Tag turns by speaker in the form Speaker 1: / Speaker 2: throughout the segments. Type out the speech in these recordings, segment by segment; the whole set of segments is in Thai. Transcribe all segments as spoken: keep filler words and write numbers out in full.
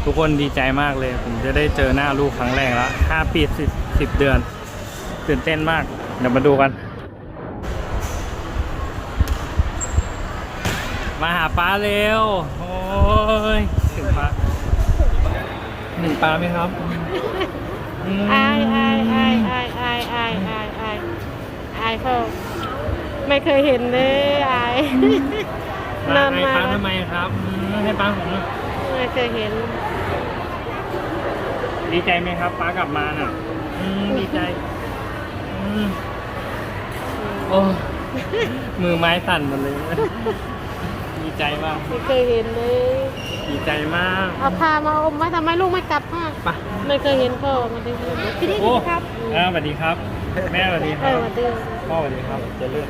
Speaker 1: ทุกคนดีใจมากเลย ผมจะได้เจอหน้าลูกครั้งแรกแล้วห้าปีสิบสิบเดือนตื่นเต้นมากเดี๋ยวมาดูกันมาหาป้าเร็วโอ้ยถึงป้าหนึ่งป้าไหมครับ
Speaker 2: อายอายอายอายอายอายอายอายอายเขาไม่เคยเห็นเลยอายนานมา
Speaker 1: ให้ป้าทำไมครับให้ป้าผม
Speaker 2: ไม่เคยเห็น
Speaker 1: ดีใจไหมครับป้ากลับมาน่ะดีใจโอ้มือไม้สั่นหมดเลยดีใจมาก
Speaker 2: ไม่เคยเห็นเลย
Speaker 1: ดีใจมาก
Speaker 2: เอาพามาอมไว้ทำไมลูกไม่กลับมา
Speaker 1: ปะ
Speaker 2: ไม่เคยเห็นพ่อมาดูพี่ดีครับ
Speaker 1: อ่าสวัสดีครับแม่สวัสดีครับ
Speaker 2: สวัสดี
Speaker 1: พ่อสวัสดีครับจะเลือก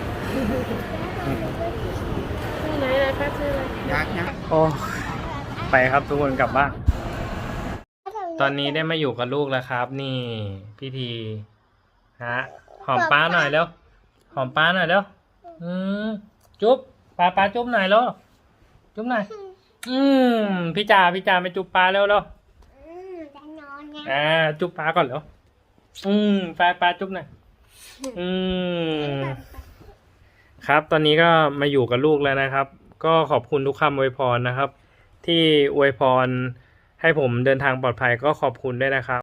Speaker 2: ชื่อไหนนะครับชื่ออะไร
Speaker 1: ยักษ์ยักษ์โอ้ไปครับทุกคนกลับบ้านตอนนี้ได้มาอยู่กับลูกแล้วครับนี่พี่ทีฮะหอมป้าหน่อยเร็วหอมป้าหน่อยเร็วอืมจุ๊บป้าป้าจุ๊บหน่อยแล้วจุ๊บหน่อยอืมพี่จ่าพี่จ่าไปจุ๊บป้าเร็วเร็วอ่าจุ๊บป้าก่อนเร็วอืมป้าป้าจุ๊บหน่อยอืมครับตอนนี้ก็มาอยู่กับลูกแล้วนะครับก็ขอบคุณทุกคำอวยพรนะครับที่อวยพรให้ผมเดินทางปลอดภัยก็ขอบคุณด้วยนะครับ